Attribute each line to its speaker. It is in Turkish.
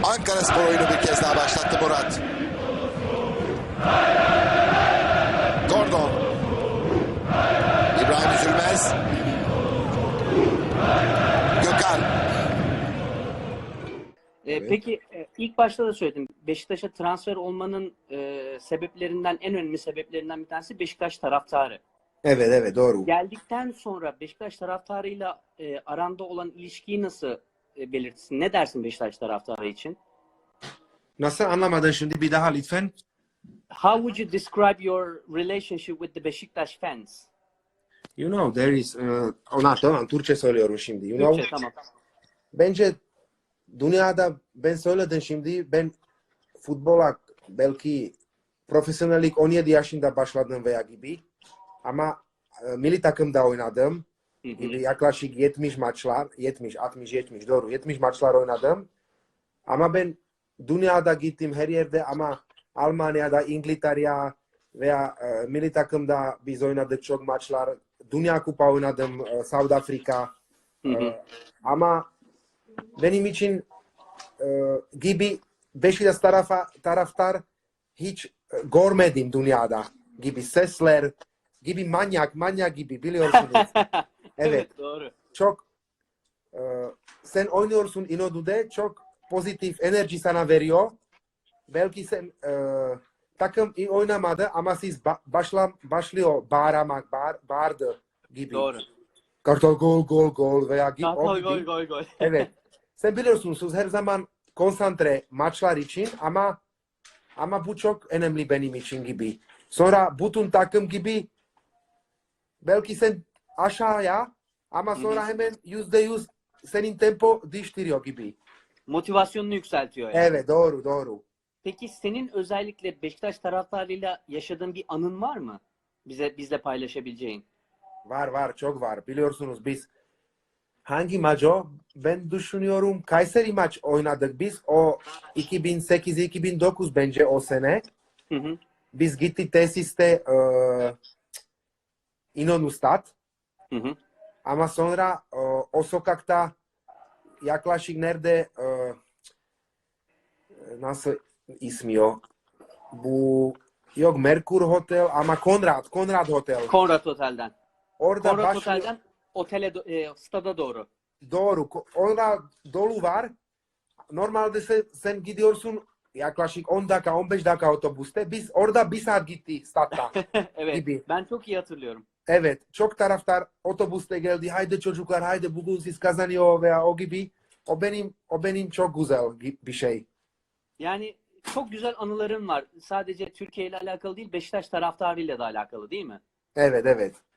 Speaker 1: Ankaraspor oyunu bir kez daha başlattı Murat. Gordon. İbrahim Üzülmez. Gökhan.
Speaker 2: Evet. Peki ilk başta da söyledim. Beşiktaş'a transfer olmanın sebeplerinden, en önemli sebeplerinden bir tanesi Beşiktaş taraftarı.
Speaker 3: Evet doğru.
Speaker 2: Geldikten sonra Beşiktaş taraftarıyla aranda olan ilişkiyi nasıl belirtirsin? Ne dersin Beşiktaş taraftarı için?
Speaker 3: Nasıl anlamadın şimdi bir daha lütfen?
Speaker 2: How would you describe your relationship with the Beşiktaş fans?
Speaker 3: You know there is tamam Türkçe söylüyorum şimdi. You
Speaker 2: Türkçe,
Speaker 3: know,
Speaker 2: tamam.
Speaker 3: bence dünyada ben söyledim şimdi ben futbola belki profesyonellik 17 yaşında başladım veya gibi ama milli takımda oynadım. Gibi yaklaşık 70 maçlar, 70 doğru 70 maçlar oynadım. Ama ben dünyada gittim her yerde ama Almanya'da, İngiltere'ye veya milli takımda biz oynadık çok maçlar. Dünya Kupa oynadım, South Afrika. Ama benim için gibi Beşiktaş taraftar hiç görmedim dünyada. Gibi sesler, gibi manyak gibi biliyorsunuz.
Speaker 2: Evet, doğru.
Speaker 3: Çok sen oynuyorsun İnönü'de çok pozitif enerji sana veriyor. Belki sen takım iyi oynamadı ama siz başlıyor bağırdı gibi.
Speaker 2: Doğru.
Speaker 3: Kartal gol veya gibi.
Speaker 2: Gol.
Speaker 3: Evet. Sen biliyorsunuz her zaman konsantre maçlar için ama bu çok önemli benim için gibi. Sonra bütün takım gibi belki sen aşağıya ama sonra hemen %100 senin tempo değiştiriyor gibi.
Speaker 2: Motivasyonunu yükseltiyor yani.
Speaker 3: Evet doğru.
Speaker 2: Peki senin özellikle Beşiktaş taraftarıyla yaşadığın bir anın var mı? Bizle paylaşabileceğin.
Speaker 3: Var çok var. Biliyorsunuz biz hangi maç o? Ben düşünüyorum Kayseri maç oynadık biz. O 2008-2009 bence o sene. Biz gittik tesiste İnönü Stat. Ama sonra o sokakta yaklaşık nerede nasıl ismi o? Bu yok Merkur Hotel ama Konrad Hotel.
Speaker 2: Konrad Otel'den.
Speaker 3: Orada
Speaker 2: Konrad Otel'den stada doğru.
Speaker 3: Doğru. Orada dolu var. Normalde sen gidiyorsun yaklaşık 10 dakika 15 dakika otobüste. Biz orada bir saat gitti statta.
Speaker 2: Evet.
Speaker 3: Gibi.
Speaker 2: Ben çok iyi hatırlıyorum.
Speaker 3: Evet. Çok taraftar otobüste geldi. Haydi çocuklar haydi bugün siz kazanıyor veya o gibi. O benim çok güzel bir şey.
Speaker 2: Yani çok güzel anılarım var. Sadece Türkiye ile alakalı değil, Beşiktaş taraftarıyla da alakalı değil mi?
Speaker 3: Evet.